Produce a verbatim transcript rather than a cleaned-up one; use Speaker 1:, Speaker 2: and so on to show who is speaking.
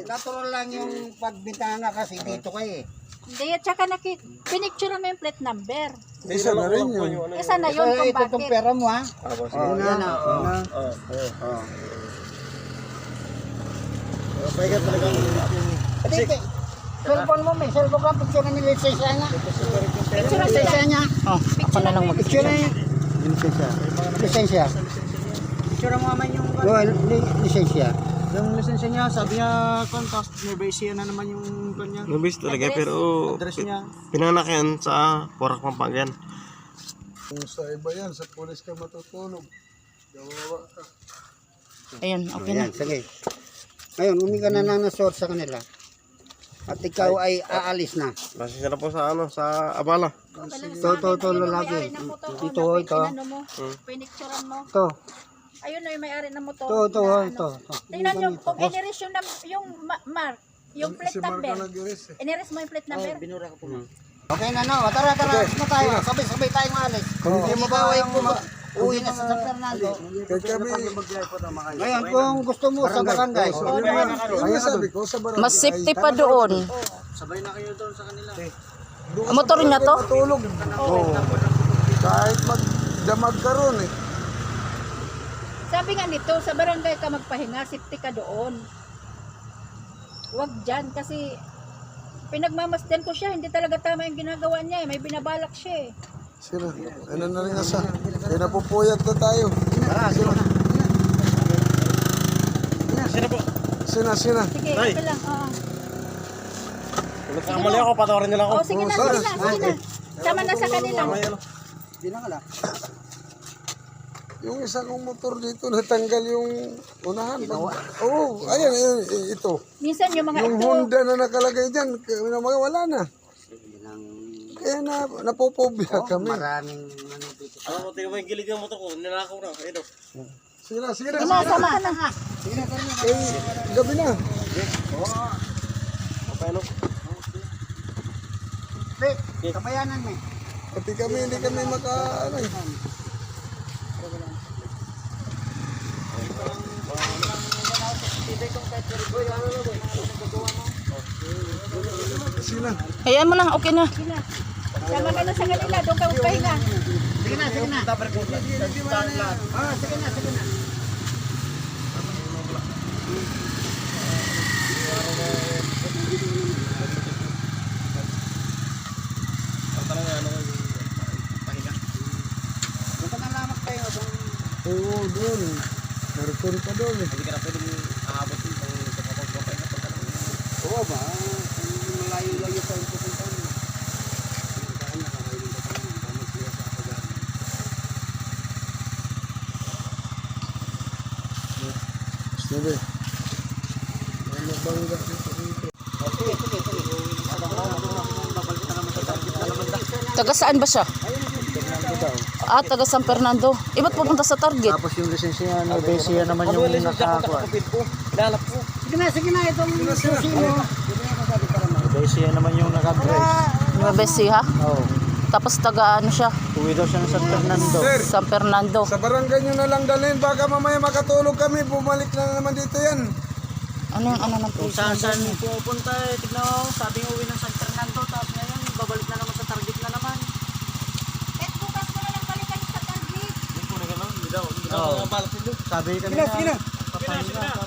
Speaker 1: natural lang yung pagbintana kasi dito kayo eh.
Speaker 2: Hindi, at saka naki, pinicture mo yung plate number.
Speaker 3: Isa na rin yun.
Speaker 2: Isa na yun
Speaker 1: Ito,
Speaker 2: kung
Speaker 1: ito itong
Speaker 2: bakit.
Speaker 1: pera mo ha.
Speaker 3: Tapos,
Speaker 1: Oh, yan na. Oh,
Speaker 3: Oo.
Speaker 1: oh.
Speaker 3: Kaya ka talagang
Speaker 1: Pati, cellphone mo, may cellphone ka, picture na nila lisensya niya.
Speaker 2: Picture na
Speaker 1: Lisensya niya.
Speaker 4: Oh, ako na lang mag
Speaker 1: Picture na yung lisensya. Lisensya.
Speaker 5: Picture mo naman yung
Speaker 1: No, li- lisensya.
Speaker 5: yung lisensya niya, sabi niya contact, may base na naman yung kanya.
Speaker 3: nabis talaga pero
Speaker 5: Address niya.
Speaker 3: pinanganak yan sa Porac, Pampanga.
Speaker 6: Kung sa iba yan, sa pulis ka matutulog. Gawawa ka.
Speaker 4: Ayun,
Speaker 1: Oh,
Speaker 4: okay na.
Speaker 1: yan, sige. Ngayon, umi ka na lang na sort sa kanila. At ikaw ay aalis na.
Speaker 3: Masisa na po sa ano, sa abala.
Speaker 1: Ito, ito, ito, lalaki. Ito, ito.
Speaker 2: Pinicture mo.
Speaker 1: Ito,
Speaker 2: Ayun na yung may-ari ng motor.
Speaker 1: ito, ito,
Speaker 2: na
Speaker 1: ito.
Speaker 2: ano. Tingnan nyo, kung iniris yung, nam- yung ma- mark, yung plate
Speaker 6: Si Marco
Speaker 2: number.
Speaker 6: nag-iris eh.
Speaker 2: Iniris mo yung plate number.
Speaker 5: Binura ko po.
Speaker 1: Okay na, no? Tara, tara, alis na tayo. Sabay-sabay tayong maalis. Kung hindi mo ba ay uwi na sa San Fernando.
Speaker 6: Kaya kami,
Speaker 1: Ngayon, kung gusto mo sa barangay.
Speaker 6: yun yung sabi ko, sa barangay.
Speaker 4: Mas safety pa doon.
Speaker 5: Sabay na kayo doon sa kanila.
Speaker 6: Doon
Speaker 4: Ang motor niya to?
Speaker 6: matulog. Oo. Kahit magdamag ka ron eh.
Speaker 2: Sabi nga nito, sa barangay ka magpahinga, safety ka doon. Huwag dyan kasi pinagmamasdan ko siya, hindi talaga tama yung ginagawa niya eh. May binabalak siya eh.
Speaker 6: Sino? Ano na rin nasa? Kaya napupuyat na tayo. Sino?
Speaker 3: Sino po?
Speaker 6: Sina, sina.
Speaker 2: Sige,
Speaker 3: Tay.
Speaker 2: ito lang. Oo.
Speaker 3: Kung nagkamali ako, patawarin nila ako.
Speaker 2: Oh, sige na, sige na, sige na. Sama na sa kanila.
Speaker 6: Yung isa kong motor dito, natanggal yung unahan. Oo, oh, ayan, ayan, ito.
Speaker 2: Minsan yung mga
Speaker 6: Yung
Speaker 2: ito,
Speaker 6: Honda na nakalagay dyan, k- wala na. Kaya na, napopobya kami.
Speaker 1: Maraming ano dito.
Speaker 3: Ano ko, tingnan mo yung gilid ng motor ko, nilakaw na. Ayun o.
Speaker 6: Sige na, sige na.
Speaker 2: sama, sama ka na.
Speaker 6: Eh, gabi na.
Speaker 3: Okay, ano?
Speaker 1: Pre, kabayanan mo eh.
Speaker 6: Pati kami, hindi kami maka, ano eh. Sina.
Speaker 4: Hayaan mo na, okay na.
Speaker 2: Sama ka na sa kanila, doon ka magpahinga.
Speaker 1: Sige na, sige na. Ah, sige na, sige na. Doon ka na lamang tayo.
Speaker 6: Oo, doon. Meron pa doon eh.
Speaker 3: Hindi ka na pwedeng aabot yung pang sa kapag-kapay na pagkalang.
Speaker 1: Oo ba? Malayo-layo pa yung pupuntahan mo. Daan na kakainin ka pa naman. Tama siya sa pagkain.
Speaker 6: Sabi. Ano bangga dito dito.
Speaker 4: Taga saan ba siya? Ah, taga San Fernando. Iba't pupunta sa target.
Speaker 5: Tapos yung lisensya niya, may base niya naman yung nakakuha.
Speaker 3: Ilalap ko.
Speaker 1: Sige na, sige na. Itong susi mo.
Speaker 5: May base niya naman yung naka-drive.
Speaker 4: May besi ha?
Speaker 5: Oo.
Speaker 4: Tapos taga ano siya?
Speaker 5: Uwi daw siya ng San Fernando.
Speaker 6: Sir,
Speaker 4: San Fernando.
Speaker 6: sa barangay nyo na lang dalhin. Baka mamaya makatulog kami. Bumalik na naman dito yan.
Speaker 4: Ano yung ano ng
Speaker 5: Kung
Speaker 4: place?
Speaker 5: saan saan pupunta eh, tignan mo, sabi ng uwi ng San Fernando, tapos ngayon, babalik na naman sa target na naman.
Speaker 2: Eh, bukas mo na lang balikan sa target.
Speaker 3: Hindi ko na gano'n. Hindi daw. Hindi daw.
Speaker 5: Oo.
Speaker 3: Balak nito.
Speaker 5: Sabi kanina,
Speaker 6: Sige na, sige na.
Speaker 5: papahinga.